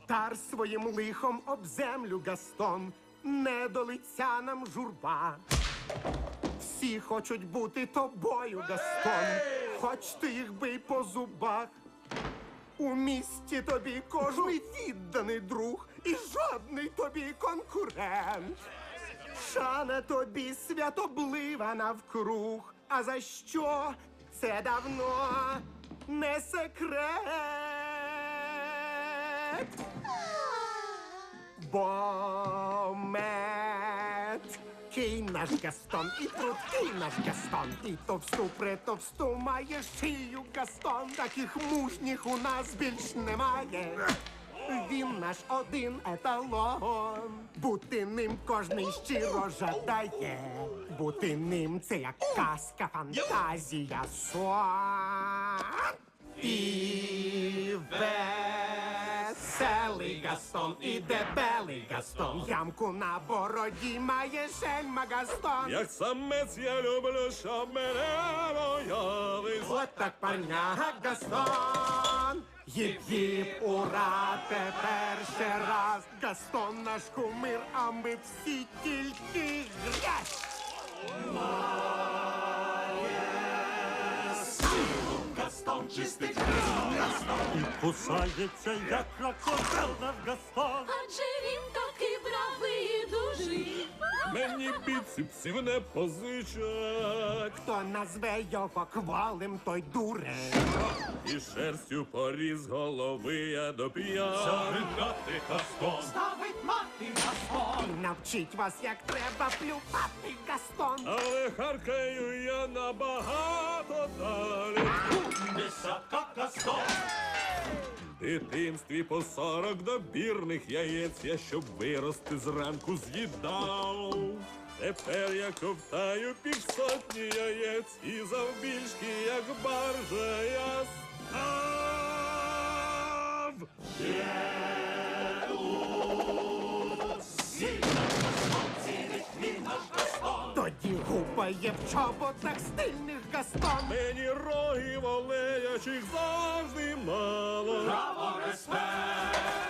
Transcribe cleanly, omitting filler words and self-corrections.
Втар своїм лихом об землю, Гастон, не до лиця нам журба. Всі хочуть бути тобою, Гастон, хоч ти їх бий по зубах. У місті тобі кожний відданий друг і жодний тобі конкурент. Шана тобі святоблива навкруг, а за що це давно не секрет. Бо меткий наш Гастон, і прудкий наш Гастон, і товсту притовсту має шию Гастон. Таких мужніх у нас більш немає. Він наш один еталон. Бути ним кожний щиро жадає. Бути ним це як казка, фантазія, сон. І веселий Гастон, і дебелий Гастон. Ямку на бороді має шельма Гастон. Як самець я люблю, щоб мене боялись. От так парняга Гастон. Їп-їп, ура, тепер ще раз. Гастон наш кумир, а ми всі тільки грязь. Гастон чистить Гастон. І кусається, як крокодил наш Гастон. Адже він такий бравий і дужий. Мені біцепсів не позичать. Хто назве його кволим, той дурень. І шерстю поріз голови я до п'ят. Завидати Гастон. Ставить мати Гастон. І навчить вас, як треба плювати, Гастон. Але харкаю я набагато далі. Десятка Гастон. В дитинстві по 40 добірних яєць я, щоб вирости зранку, з'їдав. Тепер я ковтаю півсотні яєць і завбільшки, як баржа, я став. Тоді гупає в чоботах стильних Гастон. Мені рогів олеячих завжди мало. Браво, респект!